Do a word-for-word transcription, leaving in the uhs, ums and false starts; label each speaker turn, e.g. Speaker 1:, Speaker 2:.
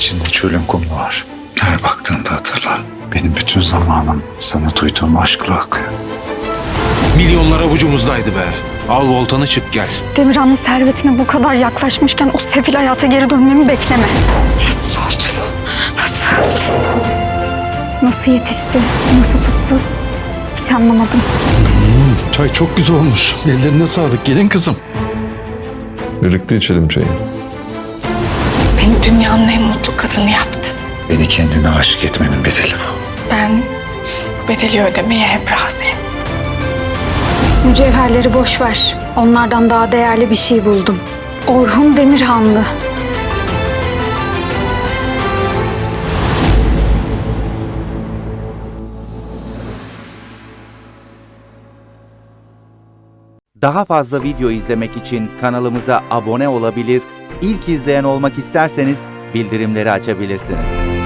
Speaker 1: içinde çölün kumlu var. Her baktığında hatırla. Benim bütün zamanım sana duyduğum aşkla akıyor.
Speaker 2: Milyonlar avucumuzdaydı be. Al voltanı çık gel.
Speaker 3: Demirhan'ın servetine bu kadar yaklaşmışken o sefil hayata geri dönmemi bekleme. Nasıl oldu bu? Nasıl? Nasıl yetişti? Nasıl tuttu? Hiç anlamadım.
Speaker 4: Çay çok güzel olmuş. Ellerine sağlık gelin kızım.
Speaker 5: Birlikte içelim çayı.
Speaker 3: Beni dünyanın en mutlu kadını yaptı.
Speaker 1: Beni kendine aşık etmenin bedeli bu.
Speaker 3: Ben bu bedeli ödemeye hep razıyım. Mücevherleri boş ver. Onlardan daha değerli bir şey buldum. Orhun Demirhanlı.
Speaker 6: Daha fazla video izlemek için kanalımıza abone olabilir, ilk izleyen olmak isterseniz bildirimleri açabilirsiniz.